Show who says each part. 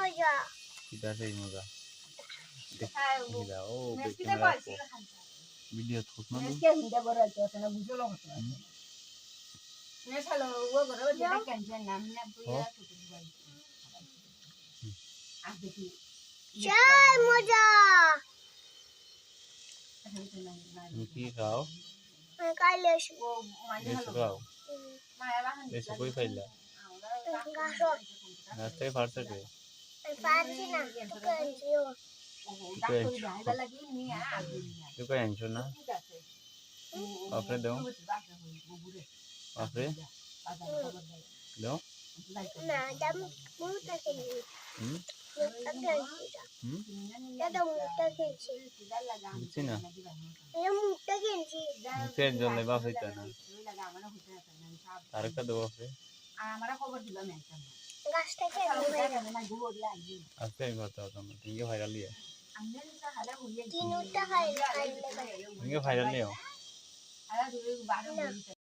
Speaker 1: মজা
Speaker 2: কিটা সেই মজা দেখি ও ক্যামেরা ভিডিও থুক না
Speaker 3: কে হিন্দা বড় আছে না বুঝলো কত আছে নে চলো ও বড় যেটা ক্যান্সেল নাম না বুইয়া ছুটি দিবাই আজ দেখি
Speaker 1: চাই মজা
Speaker 2: কি খাও
Speaker 1: কাইলে আসবো
Speaker 3: ও মানে
Speaker 2: এসে খাও
Speaker 3: মায়া বাহান
Speaker 2: এসে কই পাইলা
Speaker 1: গাছও
Speaker 2: রাস্তায় ফারছে কে
Speaker 1: পারছি না তোকে আনছিও
Speaker 3: ডাক্তার যাইবা লাগি নিয়া আগে নিয়া
Speaker 2: তুই আনছো না
Speaker 3: ঠিক আছে
Speaker 2: আপনি দাও আপনি দাও
Speaker 1: না দাম মুটা খেলি মুটা খেলছি দাদা মুটা খেলছি
Speaker 2: বুঝছি না
Speaker 1: মুটা খেলছি
Speaker 2: মুখের জন্য বাপ হইতো না আরেকটা দেবো আপনি
Speaker 3: আমারা খবর দিলাম একটা
Speaker 1: গাছটা খেলছি
Speaker 2: আজকে আমি করতে পারতাম না তুমি ভাইরাল নিয়ে
Speaker 1: তিনটা খাইলে
Speaker 2: তুমি ভাইরাল নিও
Speaker 3: আরে